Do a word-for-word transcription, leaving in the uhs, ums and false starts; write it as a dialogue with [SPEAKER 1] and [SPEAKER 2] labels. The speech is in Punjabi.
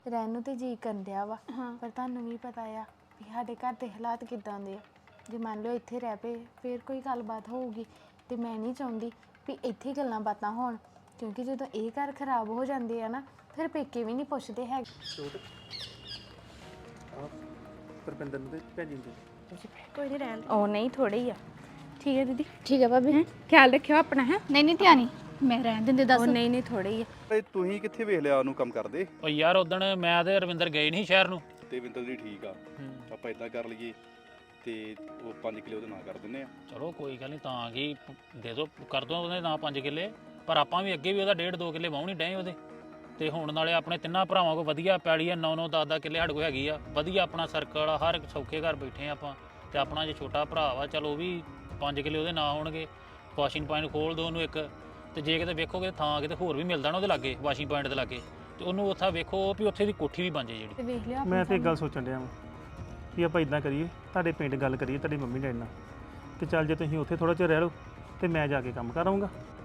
[SPEAKER 1] ਰਹਿਣ ਨੂੰ ਤੇ ਜੀ ਕਰਨ ਡਿਆ ਵਾ
[SPEAKER 2] ਹਾਂ
[SPEAKER 1] ਪਰ ਤੁਹਾਨੂੰ ਵੀ ਪਤਾ ਆ ਵੀ ਸਾਡੇ ਘਰ ਦੇ ਹਾਲਾਤ ਕਿੱਦਾਂ ਦੇ ਆ। ਜੇ ਮੰਨ ਲਓ ਇੱਥੇ ਰਹਿ ਪਏ ਫਿਰ ਕੋਈ ਗੱਲਬਾਤ ਹੋਊਗੀ ਤੇ ਮੈਂ ਨਹੀਂ ਚਾਹੁੰਦੀ ਵੀ ਇੱਥੇ ਗੱਲਾਂ ਬਾਤਾਂ ਹੋਣ, ਕਿਉਂਕਿ ਜਦੋਂ ਇਹ ਘਰ ਖਰਾਬ ਹੋ ਜਾਂਦੇ ਆ ਨਾ ਫਿਰ ਪੇਕੇ ਵੀ ਨਹੀਂ ਪੁੱਛਦੇ ਹੈਗੇ।
[SPEAKER 3] ਛੋਟ ਆ ਪਰਪਿੰਦਰ ਨੂੰ ਤੇ ਭੇਜੀ ਦੇ ਤੁਸੀਂ
[SPEAKER 2] ਕੋਈ ਨਹੀਂ ਰਹਿਣ
[SPEAKER 1] ਉਹ ਨਹੀਂ ਥੋੜੇ ਹੀ ਆ।
[SPEAKER 2] ਠੀਕ ਹੈ ਦੀਦੀ
[SPEAKER 1] ਠੀਕ ਹੈ ਭਾਬੀ।
[SPEAKER 2] ਖਿਆਲ ਰੱਖਿਓ ਆਪਣਾ ਹੈ ਨਹੀਂ ਨਹੀਂ ਧਿਆਨੀ ਮੈਂ ਰਹਿਣ ਦਿੰਦੇ ਦੱਸ
[SPEAKER 1] ਉਹ ਨਹੀਂ ਨਹੀਂ ਥੋੜੇ ਹੀ ਆ।
[SPEAKER 4] ਤੇ ਤੁਸੀਂ ਕਿੱਥੇ ਵੇਖ ਲਿਆ ਉਹਨੂੰ ਕੰਮ ਕਰਦੇ?
[SPEAKER 5] ਓ ਯਾਰ ਉਦਣ ਮੈਂ ਤੇ ਰਵਿੰਦਰ ਗਏ ਨਹੀਂ ਸ਼ਹਿਰ ਨੂੰ।
[SPEAKER 4] ਤੇ ਵਿੰਦਰ ਜੀ ਠੀਕ ਆ, ਆਪਾਂ ਇਦਾਂ ਕਰ ਲਈਏ ਤੇ ਉਹ ਪੰਜ ਕਿਲੋ ਉਹਦੇ ਨਾਂ ਕਰ ਦਿੰਨੇ ਆ।
[SPEAKER 5] ਚਲੋ ਕੋਈ ਗੱਲ ਨਹੀਂ, ਤਾਂ ਕੀ ਦੇ ਦੋ ਕਰ ਦੋ ਉਹਦੇ ਨਾਂ ਪੰਜ ਕਿੱਲੇ, ਪਰ ਆਪਾਂ ਵੀ ਅੱਗੇ ਵੀ ਉਹਦਾ ਡੇਢ ਦੋ ਕਿੱਲੇ ਵਾਹੁਣੀ ਡਏ ਉਹਦੇ। ਤੇ ਹੁਣ ਨਾਲੇ ਆਪਣੇ ਤਿੰਨਾਂ ਭਰਾਵਾਂ ਕੋਲ ਵਧੀਆ ਪੈਲੀ ਆ, ਨੌ ਨੌ ਦਸ ਦਸ ਕਿੱਲੇ ਸਾਡੇ ਕੋਲ ਹੈਗੀ ਆ, ਵਧੀਆ ਆਪਣਾ ਸਰਕਲ ਆ, ਹਰ ਇੱਕ ਸੌਖੇ ਘਰ ਬੈਠੇ ਆ ਆਪਾਂ। ਤੇ ਆਪਣਾ ਜੇ ਛੋਟਾ ਭਰਾ ਵਾ ਚਲ ਉਹ ਵੀ ਪੰਜ ਕਿੱਲੇ ਉਹਦੇ ਨਾਂ ਹੋਣਗੇ। ਵਾਸ਼ਿੰਗ ਪੁਆਇੰਟ ਖੋਲ ਦੋ ਉਹਨੂੰ ਇੱਕ, ਤੇ ਜੇ ਕਿਤੇ ਵੇਖੋਗੇ ਥਾਂ ਕਿਤੇ ਹੋਰ ਵੀ ਮਿਲਦਾ ਨਾ ਉਹਦੇ ਲਾਗੇ ਵਾਸ਼ਿੰਗ ਪੁਆਇੰਟ ਦੇ ਲਾਗੇ, ਤੇ ਉਹਨੂੰ ਉੱਥੇ ਵੇਖੋ ਵੀ ਉੱਥੇ ਦੀ ਕੋਠੀ ਵੀ ਬਣ ਜੇ ਜਿਹੜੀ।
[SPEAKER 1] ਤੇ ਵੇਖ ਲਿਓ
[SPEAKER 3] ਮੈਂ ਤੇ ਇੱਕ ਗੱਲ ਸੋਚਣ ਡਿਆ ਵਾਂ ਵੀ ਆਪਾਂ ਇਦਾਂ ਕਰੀਏ, ਤੁਹਾਡੇ ਪਿੰਡ ਗੱਲ ਕਰੀਏ ਤੁਹਾਡੀ ਮੰਮੀ ਡੈਡੀ ਨਾਲ, ਕਿ ਚੱਲ ਜੇ ਤੁਸੀਂ ਉੱਥੇ ਥੋੜਾ ਚਿਰ ਰਹਿ ਲਓ ਤੇ ਮੈਂ ਜਾ ਕੇ ਕੰਮ ਕਰਾਂਗਾ।